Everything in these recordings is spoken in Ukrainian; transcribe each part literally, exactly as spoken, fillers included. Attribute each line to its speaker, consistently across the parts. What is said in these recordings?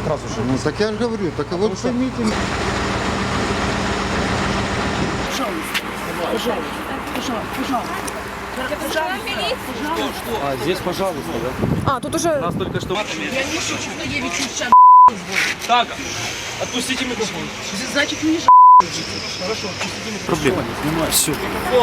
Speaker 1: сразу же.
Speaker 2: Ну так я же говорю, так а вот поймите.
Speaker 3: Пожалуйста, пожалуйста, пожалуйста, пожалуйста.
Speaker 1: А здесь, пожалуйста, да?
Speaker 4: А, тут уже...
Speaker 1: Нас только что...
Speaker 3: Я не шучу, что я ведь сейчас
Speaker 1: Так, отпустите микрофон.
Speaker 3: значит не
Speaker 1: Хорошо, отпустите микрофон. Проблема. Снимаю. Все.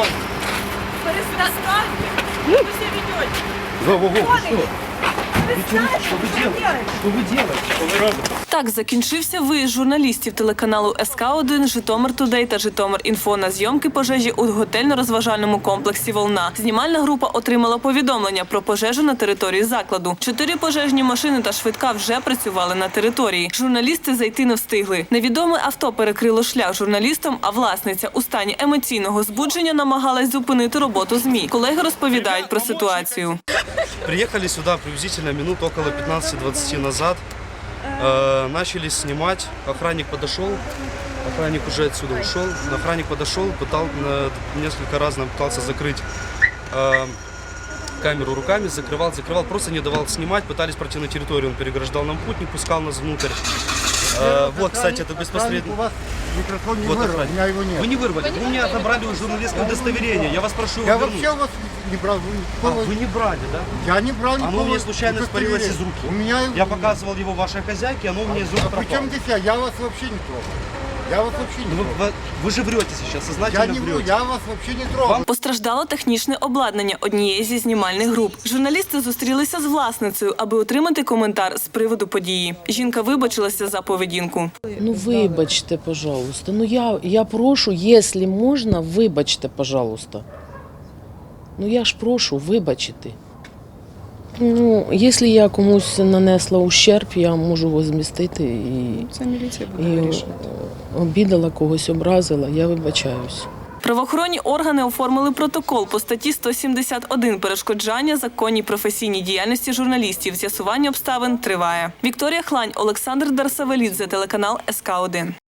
Speaker 4: Перестаньте! Что вы себя ведете?
Speaker 1: Во-во-во, что? Что вы делаете? Что вы делаете? Что вы робите?
Speaker 5: Так закінчився виїзд журналістів телеканалу ес ка один, Житомир Тудей та Житомир Інфо на зйомки пожежі у готельно-розважальному комплексі «Волна». Знімальна група отримала повідомлення про пожежу на території закладу. Чотири пожежні машини та швидка вже працювали на території. Журналісти зайти не встигли. Невідоме авто перекрило шлях журналістам, а власниця у стані емоційного збудження намагалась зупинити роботу ЗМІ. Колеги розповідають про ситуацію.
Speaker 6: Приехали сюда приблизительно минут около пятнадцати-двадцати назад. Э, начали снимать. Охранник подошел. Охранник уже отсюда ушел. Охранник подошел, пытал, э, несколько раз нам пытался закрыть э, камеру руками, закрывал, закрывал, просто не давал снимать. Пытались пройти на территорию, он переграждал нам путь, не пускал нас внутрь. Э, вот, кстати, это беспосредственно...
Speaker 2: У вас микрофон не
Speaker 6: Вот
Speaker 2: вырвал,
Speaker 6: охранник.
Speaker 2: у меня его нет.
Speaker 6: Вы не вырвали, вы мне отобрали журналистское удостоверение. Я вас прошу его
Speaker 2: Я
Speaker 6: вернуть.
Speaker 2: вообще у вас не брал. Вы
Speaker 6: А,
Speaker 2: никакого-
Speaker 6: вы не брали, да?
Speaker 2: Я не брал никакого
Speaker 6: Оно мне случайно испарилось из
Speaker 2: удостоверения.
Speaker 6: руки.
Speaker 2: У меня...
Speaker 6: Я показывал его вашей хозяйке, оно у меня из рук пропало.
Speaker 2: Причем здесь я? Я вас вообще не трогал. Я вас вообще не
Speaker 6: Ну, Вы,
Speaker 2: трогал.
Speaker 6: вы- вы же врете сейчас,
Speaker 2: Я
Speaker 6: сознательно
Speaker 2: не вру,
Speaker 6: врете.
Speaker 2: я вас вообще не трогал.
Speaker 5: Постраждало технічне обладнання однієї зі знімальних груп. Журналісти зустрілися з власницею, аби отримати коментар з приводу події. Жінка вибачилася за поведінку.
Speaker 7: Ну, вибачте, пожалуйста. Ну, я, я прошу, якщо можна, вибачте, пожалуйста. Ну, я ж прошу, вибачити. Ну, якщо я комусь нанесла ущерб, я можу возмістити і,
Speaker 4: Це міліція
Speaker 7: і
Speaker 4: буде вирішувати.
Speaker 7: обідала, когось образила, я вибачаюсь.
Speaker 5: Правоохоронні органи оформили протокол по статті сто сімдесят один «Перешкоджання законній професійній діяльності журналістів». З'ясування обставин триває. Вікторія Хлань, Олександр Дарсавелідзе, телеканал ес ка один.